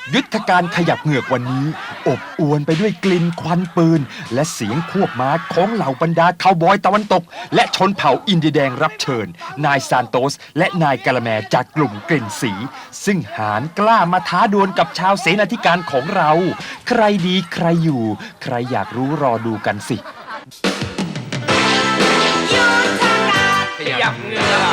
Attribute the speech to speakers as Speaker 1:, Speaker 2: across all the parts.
Speaker 1: ยุทธการขยับเหงือกวันนี้อบอวลไปด้วยกลิ่นควันปืนและเสียงควบม้าของเหล่าบรรดาคาวบอยตะวันตกและชนเผ่าอินเดียแดงรับเชิญนายซานโตสและนายกะละแมจากกลุ่มกลิ่นสีซึ่งหารกล้ามาท้าดวลกับชาวเสนาธิการของเราใครดีใครอยู่ใครอยากรู้รอดูกันสิ
Speaker 2: ขยับเหงือก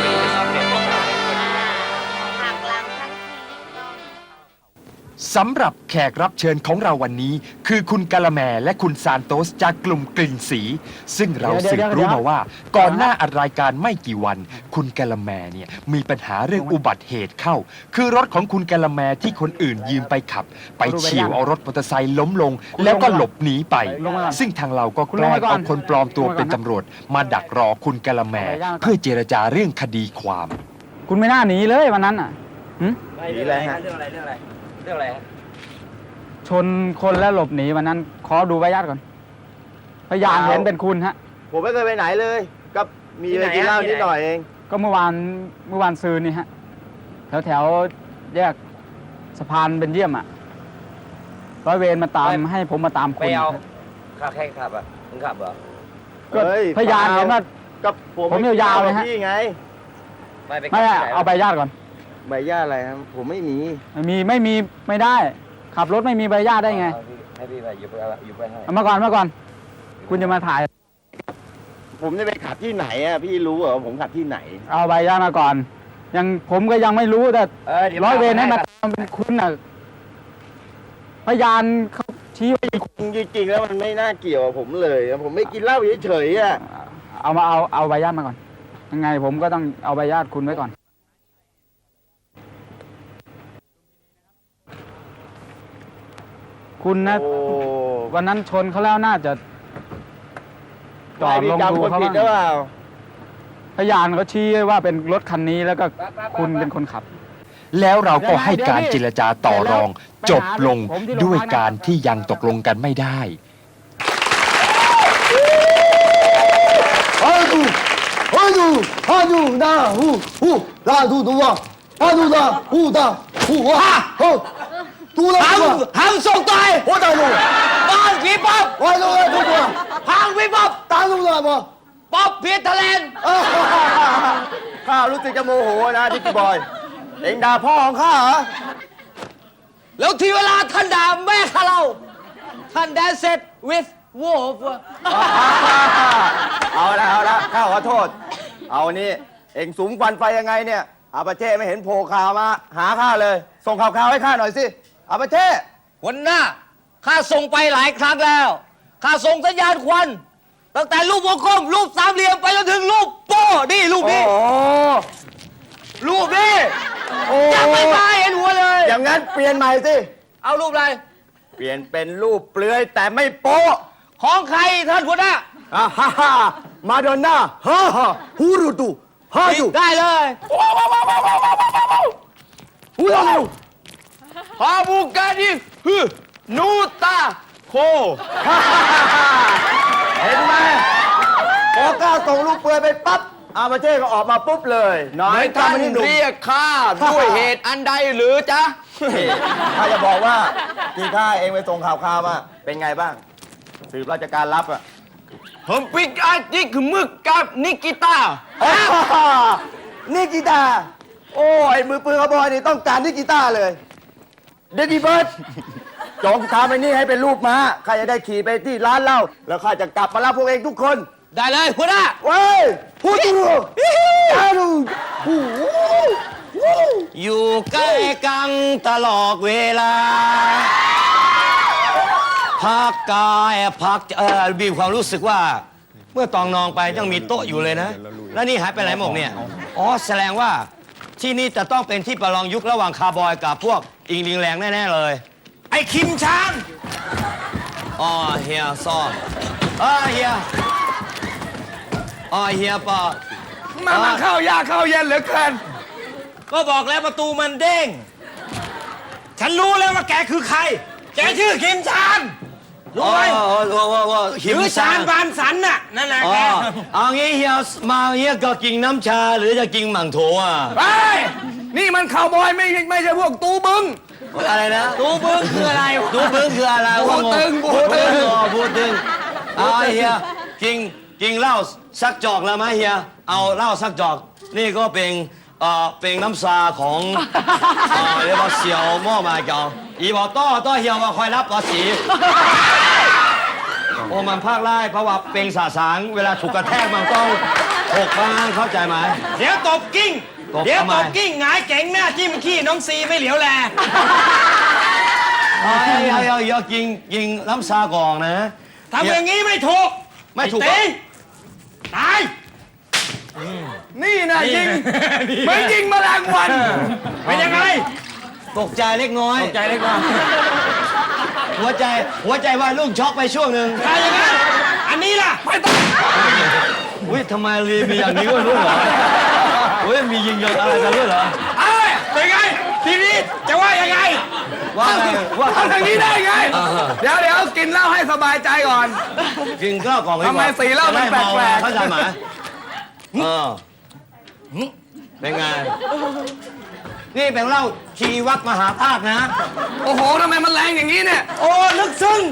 Speaker 1: สำหรับแขกรับเชิญของเราวันนี้คือคุณกะละแมและคุณซานโตสจากกลุ่มกลิ่นสีซึ่งเราสืบรู้มาว่าก่อนหน้าอัดรายการไม่กี่วันคุณกะละแมเนี่ยมีปัญหาเรื่องอุบัติเหตุเข้าคือรถของคุณกะละแมที่คนอื่นยืมไปขับไปเฉี่ยวเอารถมอเตอร์ไซค์ล้มลงแล้วก็หลบหนีไปซึ่งทางเราก็แกล้งเอาคนปลอมตัวเป็นตำรวจมาดักรอคุณกะละแมเพื่อเจรจาเรื่องคดีความ
Speaker 3: คุณไม่น่าหนีเลยวันนั้นอ่ะ
Speaker 2: หนีอะไรฮะเรื่องอะไร
Speaker 3: ชนคนแล้วหลบหนีวันนั้นขอดูใบญาติก่อนพยานเห็นเป็นคุณฮะ
Speaker 4: ผมไม่เคยไปไหนเลยก็มีไปกินเหล้านิดหน่อยเอง
Speaker 3: ก็เมื่อวานซืนนี่ฮะแถวแยกสะพานเบนเยี่ยมอ่ะร้อยเวรมาตามให้ผมมาตามคุณ
Speaker 2: ไปเอาข้าแค่ขับอ่ะมึงขับเหรอ
Speaker 3: ก็พยานเห็นว่า
Speaker 4: กับ
Speaker 3: ผมยาวๆเลยฮะ
Speaker 4: พี่ไง
Speaker 3: ไม่เอาใบญาติก่อน
Speaker 4: ใบญาติอะไรครับผมไม่มี
Speaker 3: ไม่ได้ขับรถไม่มีใบญาติได้ไง
Speaker 2: ให้พี่ไปอยู่ไปให้
Speaker 3: เอามาก่อนคุณจะมาถ่าย
Speaker 4: ผมจะไปขับที่ไหนอ่ะพี่รู้เหรอผมขับที่ไหน
Speaker 3: เอาใบญาติมาก่อนผมก็ยังไม่รู้แต่ร้อยเวรให้มาทำเป็นคุณน่ะพยานเขาชี้ไว้
Speaker 4: จริงๆแล้วมันไม่น่าเกี่ยวกับผมเลยผมไม่กินเหล้าเฉยๆอ่ะ
Speaker 3: เอาใบญาติมาก่อนยังไงผมก็ต้องเอาใบญาติคุณไว้ก่อนคุณนะวันนั้นชนเขาแล้วน่าจะ
Speaker 4: จอดลงดูเขาบ้าง
Speaker 3: พยานเขาชี้ว่าเป็นรถคันนี้แล้วก็คุณเป็นคนขับ
Speaker 1: แล้วเราก็ให้การเจรจาต่อรองจบลงด้วยการที่ยังตกลงกันไม่ได้
Speaker 2: 行送队，
Speaker 4: 我大路，
Speaker 2: 帮皮ป๊อป
Speaker 4: 我大路出国，
Speaker 2: พังพี่ป๊อป
Speaker 4: 大路来不？
Speaker 2: ป๊อปเพียร์ทะเลน
Speaker 4: ข้ารู้สึกจะโมโหนะดิ๊กบอยเอ็งด่าพ่อของข้าเหรอ
Speaker 2: แล้วทีเวลาท่านด่าแม่ข้าเราท่านแดนเสร็จ with wolf
Speaker 4: เอาละข้าขอโทษเอานี่เอ็งสูงควันไฟยังไงเนี่ยอาปาเช่ไม่เห็นโผล่ข่าวมาหาข้าเลยส่งข่าวให้ข้าหน่อยสิอาปาเช่
Speaker 2: วันหน้าข้าส่งไปหลายครั้งแล้วข้าส่งสัญญาณควันตั้งแต่รูปวงกลมรูปสามเหลี่ยมไปจนถึงรูปโป้นี่รูปนี้รูปนี้ยังไม่มาเห็นหัวเลย
Speaker 4: อย่างนั้นเปลี่ยนใหม่สิ
Speaker 2: เอารูปอะไร
Speaker 4: เปลี่ยนเป็นรูปเปลือยแต่ไม่โป๊
Speaker 2: ของใครท่านหัวหน้า
Speaker 4: มาดอนน่าฮูรุตุ
Speaker 2: ได้เลย
Speaker 4: ฮูรุตุ
Speaker 2: ฮาบูกาดินูตาโค
Speaker 4: เห็นไหมพอก้าส่งลูกเปลือยไปปั๊บอาปาเช่ก็ออกมาปุ๊บเลย
Speaker 2: น้อยท่านเรียกข้าด้วยเหตุอันใดหรือจ๊ะ
Speaker 4: ข้าจะบอกว่าที่ข้าเองไปส่งข่าวมาเป็นไงบ้างสืบราชการลับอ่ะ
Speaker 2: ผมปิกอาจิกมึกกับนิกิตา
Speaker 4: นิกิตาโอ้ยมือปืนขบอยนี่ต้องการนิกิตาเลยเดดดี้เบิร์ดจองทำไอ้นี่ให้เป็นรูปม้าข้าจะได้ขี่ไปที่ร้านเหล้าแล้วข้าจะกลับมารับพวกเองทุกคน
Speaker 2: ได้เลยหัวหน้า
Speaker 4: เว้ยพูดดู
Speaker 2: อยู่ใกล้กันตลอดเวลาพักกายพักมีความรู้สึกว่าเมื่อตองนองไปยังมีโต๊ะอยู่เลยนะแล้วนี่หายไปไหนหมดเนี่ยอ๋อแสดงว่าที่นี่จะต้องเป็นที่ประลองยุคระหว่างคาร์บอยกับพวกอิงลิงแรงแน่ๆเลยไอ้คิมช้างอ๋อเฮียซ่อนเฮียเฮียปอ
Speaker 4: มาเข้ายากเข้าเย็นเหลือเกิน
Speaker 2: ก็บอกแล้วประตูมันเด้งฉันรู้แล้วว่าแกคือใครแกชื่อคิมชานรู้ไหมคิมชานบานสันน่ะนั่นแหละแกเอางี้เฮียมาเฮียก็กินน้ำชาหรือจะกินหมั่งโถอ่ะ
Speaker 4: ไปนี่มันข่าวบอยไม่ใช่พวกตูบึง
Speaker 2: อะไรนะ
Speaker 5: ตูบึ้งคืออะไร
Speaker 2: ดูบึ้งคืออะไร
Speaker 5: บูตึง
Speaker 2: บูตึงอ๋อบูตึงเอาเฮียกินเหล้าสักจอกแล้วไหมเฮียเอาเหล้าสักจอกนี่ก็เป็นน้ำซาของเรียกว่าเสี่ยวหม้อมาเก่าอีบอกต้อเฮียว่าคอยรับภาษีโอ้มันภาคไล่เพราะว่าเป็นสาสางเวลาถูกกระแทกมันต้องหกบ้างเข้าใจไหม
Speaker 5: เดี๋ยวตบกิ้ง
Speaker 2: ตบ
Speaker 5: เดี๋ยว
Speaker 2: ทำไม
Speaker 5: ตบกิ้งหงายเก๋งหน้าจิ้มขี้น้องซีไม่เหลียวแล
Speaker 2: อย่ากินน้ำซาก่อนนะ
Speaker 5: ทำอย่างนี้ไม่ถูก
Speaker 2: ไม่ถูก
Speaker 5: อ้ตีตาย
Speaker 4: นี่นะยิง
Speaker 5: นี่
Speaker 4: เหมือนยิงแมลงวัน
Speaker 5: เป็นยังไง
Speaker 2: ตกใจเล็กน้อย
Speaker 5: ตกใจเล็กน้อย
Speaker 2: หัวใจว่าลูกช็อกไปช่วงหนึ่ง
Speaker 5: ถ้าอย่างนั้นอันนี้ล่ะไม่ต้อง
Speaker 2: อุ้ยทำไมมีอย่างนี้ด้วยเหรออุ้ยมียิงยนอะไรกันด้วยเหรอ
Speaker 5: เอ้ยเป็นไงทีนี้จะว่ายังไง
Speaker 2: ว่าไงว่า
Speaker 4: ทำอย่างนี้ได้ไง เดี๋ยวกินเหล้าให้สบายใจก่อน
Speaker 2: กินข้าวกล่องดีกว่า
Speaker 4: ทำไมสีเหล้ามันแปลกๆ
Speaker 2: เข้าใจไหมเป็นไง นี่เป็นเหล้าชีวัดมหาธาตุนะ
Speaker 4: โอ้โหทำไมมันแรงอย่างนี้เนี่ย
Speaker 5: โอ้ลึกซึ้ง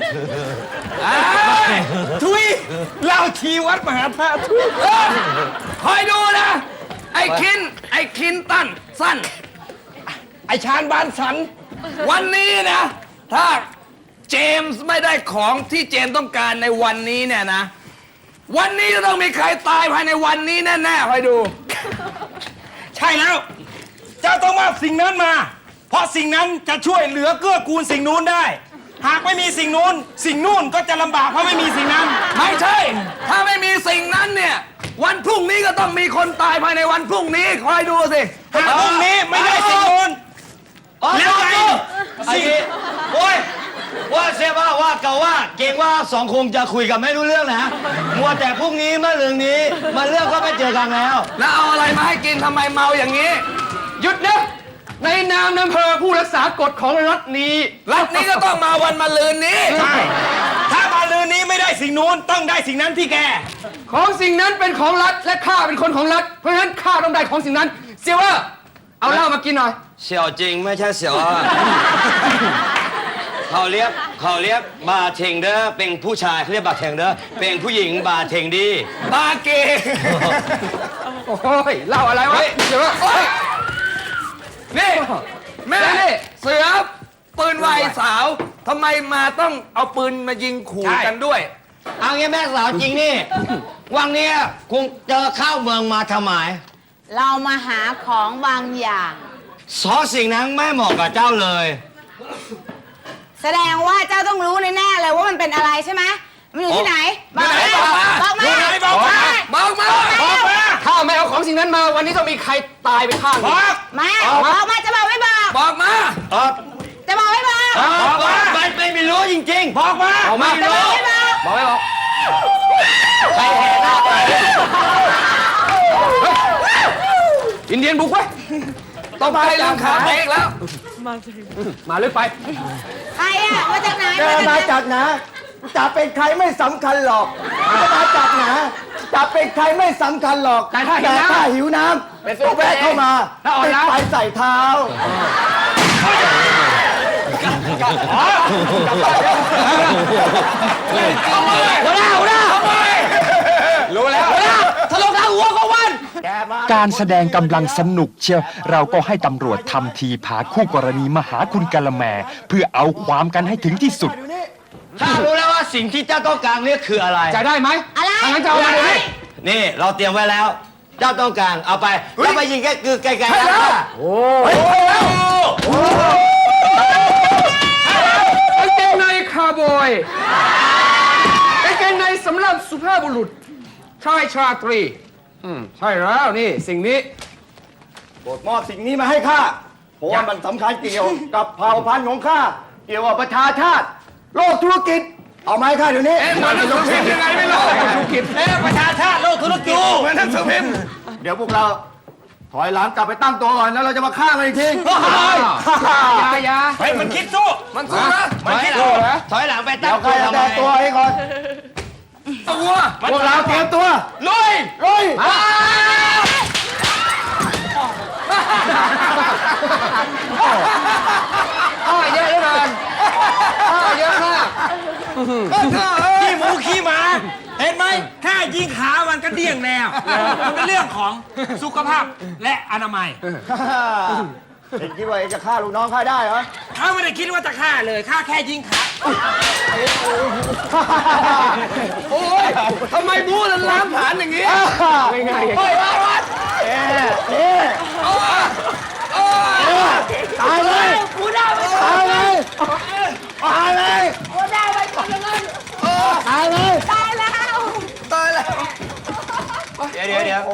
Speaker 5: ทุยเล่าชีวัดมหาธาตุทุย
Speaker 4: คอยดูนะ ไอ้คินตันสั้น
Speaker 5: ไอชานบานสัน
Speaker 4: วันนี้นะ ถ้าเจมส์ไม่ได้ของที่เจมส์ต้องการในวันนี้เนี่ยนะ วันนี้จะต้องมีใครตายภายในวันนี้แน่ๆคอยดู
Speaker 5: ใช่แล้ว เจ้าต้องมาสิ่งนั้นมา เพราะสิ่งนั้นจะช่วยเหลือเกื้อกูลสิ่งนู้นได้ หากไม่มีสิ่งนู้นสิ่งนู่นก็จะลำบากเพราะไม่มีสิ่งนั้น
Speaker 4: ไม่ใช่ ถ้าไม่มีสิ่งนั้นเนี่ย วันพรุ่งนี้ก็ต้องมีคนตายภายในวันพรุ่งนี้คอยดูสิ
Speaker 5: หากพรุ่งนี้ไม่ได้สิ่งนู้น แล้วไง
Speaker 2: ไอ้นี่โอ้ยว่าเสียว่าเก่าว่าเก่งว่าสองคงจะคุยกันไม่รู้เรื่องนะมัวแต่พรุ่งนี้มาเรื่องนี้มาเรื่องก็ไม่เจอกันแล้ว
Speaker 4: แล้วเอาอะไรมาให้กินทำไมเมาอย่างนี้
Speaker 6: หยุดนะในนามอำเภอผู้รักษากฎของรัฐนี้
Speaker 4: รัฐนี้ก็ต้องมาวันมะรืนนี้
Speaker 5: ใช่ ถ้ามาลืนนี้ไม่ได้สิ่งนู้นต้องได้สิ่งนั้นที่แก
Speaker 6: ของสิ่งนั้นเป็นของรัฐและข้าเป็นคนของรัฐเพราะฉะนั้นข้าต้องได้ของสิ่งนั้นเซียวเวอร์เอาเหล้ามากินหน่อย
Speaker 2: เสี่ยวจริงไม่ใช่เสี่ยวอ่ะ เขาเรียกบาร์เทนเดอร์เป็นผู้ชายเขาเรียกบาร์เทนเดอร์เป็นผู้หญิงบาร์เทนดี
Speaker 4: บาเก
Speaker 6: โอ้ยเหล้าอะไรวะเซียวเวอร์
Speaker 4: นี่แม่
Speaker 6: นี่
Speaker 4: เสือปืนไวสาวทำไมมาต้องเอาปืนมายิงขู่
Speaker 5: ใช่
Speaker 4: กันด้วย
Speaker 2: เอางี้แม่สาวจริงนี่ วังเนี้ยคงเจอเข้าเมืองมาทำไม
Speaker 7: เรามาหาของบางอย่าง
Speaker 2: สอสิ่งนั้นไม่เหมาะกับเจ้าเลย
Speaker 7: แสดงว่าเจ้าต้องรู้แน่ๆเลยว่ามันเป็นอะไรใช่ไหมมันอยู่ที่ไหน บอกมา
Speaker 4: บอกมา
Speaker 7: บอกมา
Speaker 5: บอกมา
Speaker 4: บอกมา
Speaker 5: บอกมา
Speaker 6: ถ้าไม่เอาของสิ่งนั้นมาวันนี้ต้องมีใครตายไปข้างห
Speaker 5: บ
Speaker 6: นึ่ง
Speaker 5: อก
Speaker 7: มาบอกมาจะบอกไม่บอก
Speaker 4: บอกมา
Speaker 7: จะบอกไม่บอก
Speaker 2: บอกว่าไม่รู้จริงๆ
Speaker 5: บอกมา
Speaker 2: ไม่
Speaker 7: จะบ
Speaker 2: รู้
Speaker 7: อกไม่บอก
Speaker 6: บอกไม่บอก
Speaker 2: ใครแห่หน้าไป
Speaker 6: อินเดียนบุกไว้ย
Speaker 4: ต้องไปเรื่องขาเอกแล้ว
Speaker 6: มาลึกไป
Speaker 7: ใครอะมาจากไหน
Speaker 4: มาจากไหนจะเป็นใครไม่สำคัญหรอกมาจากไหนจะเป็นใครไม่สำคัญหรอก
Speaker 6: แต่ถ้าหิวน้ำ
Speaker 4: เป็นตัวแวะเข้ามา
Speaker 6: แล้วอ่อน
Speaker 4: ติด
Speaker 6: ล้า
Speaker 4: ไฟใส่เท้า
Speaker 6: หัวหน้ารู้แล้วทะลุทางหัวของวัน
Speaker 1: การแสดงกำลังสนุกเชียวเราก็ให้ตำรวจทำทีพาคู่กรณีมาหาคุณกะละแม เพื่อเอาความกันให้ถึงที่สุด
Speaker 2: ถ้ารู้แล้วว่าสิ่งที่เจ้าต้องการเนี่ยคืออะไร
Speaker 6: จะได้ไหม
Speaker 7: อะไร
Speaker 6: ถ้างั้นจะเอามาเลย
Speaker 2: นี่เราเตรียมไว้แล้ว เจ้าต้องการเอาไปแล้วไปยิงแค่คือไกลๆนะ
Speaker 6: กางเกงในคาร์บอยกางเกงในสำหรับสุภาพบุรุษชายชาตรีใช่แล้วนี่สิ่งนี้
Speaker 4: โปรดมอบสิ่งนี้มาให้ข้า เพราะว่ามันสำคัญเกี่ยวกับเผ่าพันธุ์ของข้า เกี่ยวกับประชาชาติ โลกธุรกิจ เอามาให้ข้าเดี๋ยวนี้
Speaker 6: มันจะพิมพ์ยังไงไม่รู้ธุรกิจ
Speaker 5: ประชาชาติโลกธุรกิจ
Speaker 4: เหมือนหนังสือพิมพ์เดี๋ยวพวกเรา ถอยหลังกลับไปตั้งตัวก่อนแล้วเราจะมาฆ่ามันอีกที
Speaker 6: ยา
Speaker 5: เฮ้ยมันคิดสู้
Speaker 4: มันสู้นะ
Speaker 2: ถอยหลังไปตั้
Speaker 4: เดี๋
Speaker 2: ง
Speaker 4: ยวใคร
Speaker 2: ตัว
Speaker 4: จะ
Speaker 2: ทำไม
Speaker 4: แต่ตัวให้ก่อน
Speaker 6: ตัว
Speaker 4: พวกเราเตรียมตัว
Speaker 5: ลุย
Speaker 4: ลุย
Speaker 6: อท่าเยอะเหลือเกินท่าเยอะมาก
Speaker 5: ขี้หมูขี้หมา เห็นไหมแค่ยิงขามันก็เดี่ยงแนวมันเป็นเรื่องของสุขภาพและอนามัย
Speaker 4: เห็นคิดว่าเองจะฆ่าลูกน้องข้าได้เหรอ
Speaker 5: เขาไม่ได้คิดว่าจะฆ่าเลยฆ่าแค่ยิงขา
Speaker 6: โอ้ยทำไมบู๊ล้างผลาญอย่างนี้ง่ายๆเฮ้ยวัด
Speaker 4: ตายเลยตายเลยตายเลย
Speaker 7: ตายแล้ว
Speaker 2: เดี๋ยว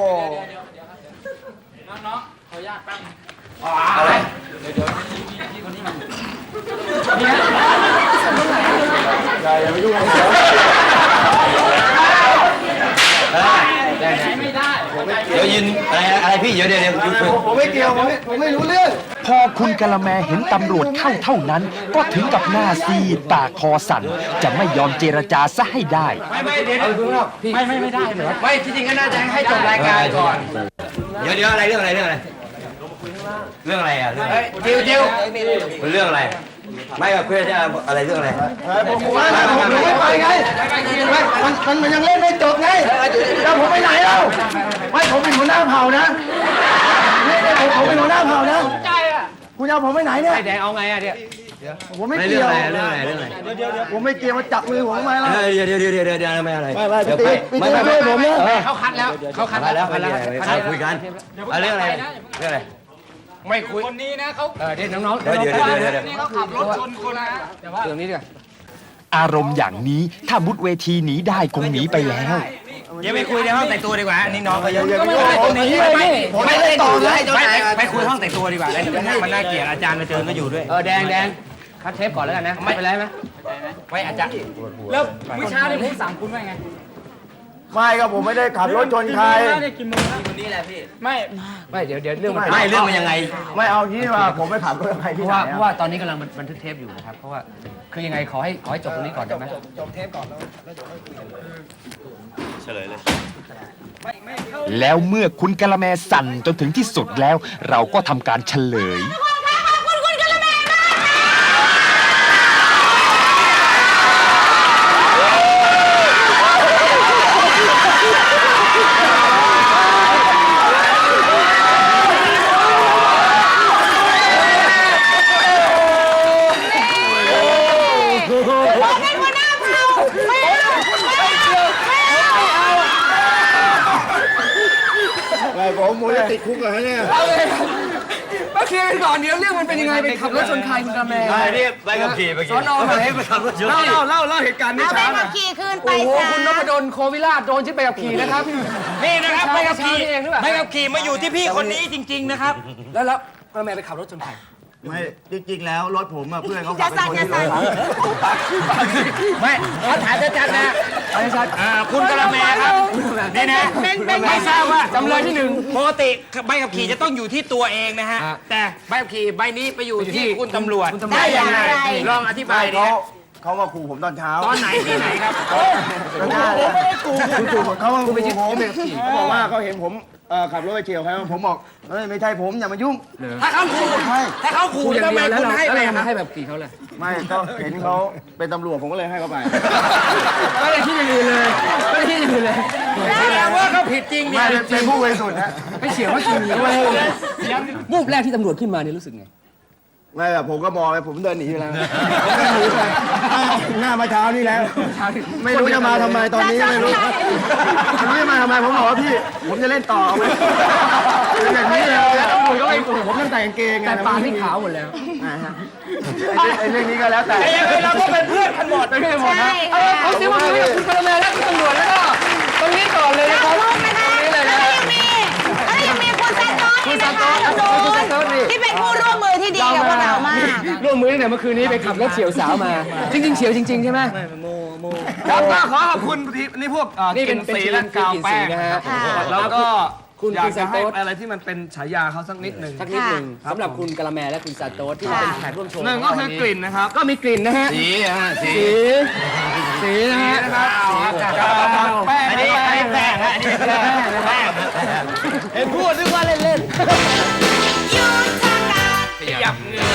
Speaker 2: เดี๋ยวยืนอะไรพี่เดี๋ยวคุย
Speaker 4: ผมไม่เกี่ยวผมไม่รู้เรื่อง
Speaker 1: พอคุณกะละแมเห็นตำรวจเข้าเท่านั้น ก็ถึงกับหน้าซีดปากคอสั่น จะไม่ยอมเจรจาซะให้ได้
Speaker 6: ไม่เดี๋ยวไม่ได้เหรอไม่ที่จริงก็น่าจะให้จบรายการก่อน
Speaker 2: เดี๋ยวอะไรเรื่องอะไรอ่ะเรื่อง
Speaker 6: จิว
Speaker 2: เรื่องอะไร ไม่กับเพื่อนจะอะไรเรื่องอะไร
Speaker 4: ผมไม่ไปไงมันยังเล่นไม่จบไงแล้วผมไปไหนแล้วไม่ผมเป็นหัวหน้าเผ่านะผมเป็นหัวหน้าเผ่านะคุณเอาผมไปไหนเนี่ย
Speaker 6: ไอ้แดงเอาไงอ่ะเดี๋ยว
Speaker 4: ผมไม่
Speaker 2: ไม่
Speaker 4: เกี่
Speaker 2: เรื่
Speaker 4: ย
Speaker 2: อง
Speaker 4: ว
Speaker 2: อะไรเรื่องอะไร
Speaker 4: ผมไม่เกี่ยวมาจับมือผมทำไมล่ะ
Speaker 2: เดี๋ยวไม่อะไร
Speaker 4: ไม่ตีด้วยผมนะ
Speaker 6: เขาคัดแล้วเขาคัดแล้ว
Speaker 2: คุยกันเรื่องอะไรเรื่องอะไร
Speaker 6: ไม่คุยคนนี้นะเขาเดี๋ยวน้องๆ
Speaker 2: เดี๋ยว
Speaker 6: เขาขับรถชนคนนะแต่ว่าเรื่องนี้ดีกว่า
Speaker 1: อารมณ์อย่างนี้ถ้ามุดเวทีหนีได้คงหนีไปแล้ว
Speaker 5: อย่าไปคุยในห้องแต่งตัวดีกว่านี่น้องเขาเยอะ
Speaker 6: ก็ไม่เป็นไรตรงนี้
Speaker 4: ผมไม่ได้ต่อเลย
Speaker 5: ไปคุยห้องแต่งตัวดีกว่ามันน่าเกลียดอาจารย์มาเจอก็อยู่ด้วย
Speaker 6: แดงคัดเทปก่อนแล้วกันนะไม่เป็นไรไหม
Speaker 5: ไว้อาจารย์
Speaker 6: แล้วเมื่อเช้าที่ผมสั่งคุณว่าไง
Speaker 4: ไม่ครับผมไม่ได้ขับรถชนใคร
Speaker 6: ไม่เดี๋ยวเรื่อง
Speaker 2: ไม่เรื่องมันยังไง
Speaker 4: ไม่เอาที่ว่าผมไม่ขับรถใคร
Speaker 6: เพ
Speaker 4: ที่
Speaker 6: ราะ
Speaker 4: ไหน
Speaker 6: ว่าตอนนี้กำลังบันทึกเทปอยู่นะครับเพราะว่าคือยังไงขอให้จบตรงนี้ก่อนได้ไหม
Speaker 1: แล้วเมื่อคุณกะละแมสั่นจนถึงที่สุดแล้ว เราก็ทำการเฉลย
Speaker 7: เป็นหัวหน้าเผ่าไม่เอา
Speaker 4: ไม่ผมจะติดคุกเลยเนี่ย
Speaker 6: มาเคลียร์กันก่อนเดี๋ยวเรื่องมันเป็นยังไงไปขับรถชนใครคุณกระแม
Speaker 2: ไอ้นี่ไปกับขี่ไปขี่
Speaker 6: สอนอไหน
Speaker 2: ไปขับรถชน
Speaker 6: เล่าเหตุการณ์นี้
Speaker 7: เอาไป
Speaker 6: ช้า
Speaker 7: ขับขี่คืนไป
Speaker 6: โอ้โห
Speaker 7: ซะ
Speaker 6: คุณนพดลโควิราชโดนชิดไปกับขี่นะครับ
Speaker 5: นี่นะครับไปกับขี่
Speaker 6: เองหรือเปล่า
Speaker 5: ไปกับขี่มาอยู่ที่พี่คนนี้จริง ๆ นะครับ
Speaker 6: แล้วกระแมไปขับรถชนใคร
Speaker 4: ไม่จริงๆแล้วรถผมอะเพื่อนเขา
Speaker 7: จะสั่นจะสั่น
Speaker 5: ไม่เขาถ่ายชัดๆนะคุณกะละแมครับนี่นะไม่ทราบว่า
Speaker 6: จำเลยที่หนึ่ง
Speaker 5: ปกติใบขับขี่จะต้องอยู่ที่ตัวเองนะฮะ
Speaker 6: อ่ะ
Speaker 5: แต่ใบขับขี่ใบนี้ไปอยู่ที่คุณตำรวจ
Speaker 7: ได้อย่างไร
Speaker 5: ลองอธิบายดิ
Speaker 4: เขามาขู่ผมตอนเช้า
Speaker 5: ตอนไหนที่ไหนครับ
Speaker 4: ผมไม่ได้ขู่เขามาขู่ผมเขาบอกว่าเขาเห็นผมขับรถไปเฉียวใครผมบอกเฮ้ยไม่ใช่ผมอย่ามายุ่ง
Speaker 5: ถ้าเขาขู่ถ้าเขาขู่
Speaker 6: คู่อย่าง
Speaker 5: ทำไม
Speaker 6: เดียวแล้ว
Speaker 5: คุณ
Speaker 6: เรา
Speaker 5: ให้ไป
Speaker 6: แล้วเรา
Speaker 5: อะ
Speaker 6: ให้แบบขี่เขาเลย
Speaker 4: ไม่ก็เห็นเขาเป็นตำรวจผมก็เลยให้เขาไป
Speaker 6: ไม่ได้คิดอย่างอื่นเลยไม่ได้คิดอย่างอื่นเลย
Speaker 5: แสดงว่าเขาผิดจริงเนี่
Speaker 4: ไม่
Speaker 5: ย
Speaker 4: เป็นผู้บริสุทธิ์นะ
Speaker 6: ไม่เฉียวว่าขี่วูบแรกที่ตำรวจขึ้นมาเนี่ยรู้สึกไง
Speaker 4: ไม่แบบผมก็มองไปผมเดินหนีอยู่แล้วผมเดินหนีไปหน้ามาเช้านี่แล้ว ไม่รู้จะมาทำไมตอนนี้ไม่รู้ไม่รู้จะมาทำไมผมบอกว่าพี่ ผมจะเล่นต่อไหมเป็นอย่างนี้เลยผมตั้งแต่กางเกงไง
Speaker 6: แต่ปากนี่ขาวหมดแล้ว
Speaker 4: ไอ้เรื่องนี้ก็แล้วแต่
Speaker 5: เราก็เป็นเพื่อนกันหมด
Speaker 6: ไม่ได้หมดนะ
Speaker 7: ใช่ค่ะ
Speaker 6: เอาสิว่าคุยกับคุณกระแมและคุณตำรวจแล้วก็ตรงนี้ก่อนเลยนะครับ
Speaker 7: ลูกนะคะ
Speaker 6: ตรงนี้เลย
Speaker 7: แล้
Speaker 6: นะ
Speaker 7: วยังมีคุณซานโต้นี่นะคะที่เป็นผู้ร่วมมือที่ดีกับพวกเรามาก
Speaker 6: ร่วมมือตั้งแต่เมื่อคืนนี้ไปขับรถเฉียวสาวมา จริงๆเฉียวจริงๆใช่ไหม
Speaker 5: ครับก็ขอขอบคุณนี่พวก
Speaker 6: นี่เป็นสีและกาวแป้งนะฮะ
Speaker 7: ค่ะ
Speaker 6: แล้วก็คุณ
Speaker 5: อยาก
Speaker 6: ซา
Speaker 5: จะ
Speaker 6: โต
Speaker 5: ให้
Speaker 6: ส
Speaker 5: อะไรที่มันเป็นฉายาเขาสักนิดหนึ่ง
Speaker 6: สักนิดหนึ่งสำหรับคุณกะละแมและคุณซาโตสที่มาเป็นแขกร่วมโชว์
Speaker 5: หนึ่งก็คือกลิ่นนะครับ
Speaker 6: ก็มีกลิ่นนะฮะ สีนะฮะ
Speaker 5: แป้งอันนี้แป้งอันนี้แป้งเห็นพูดนึกว่าเล่น
Speaker 7: ยุทธการ
Speaker 5: ๆขยับเงือ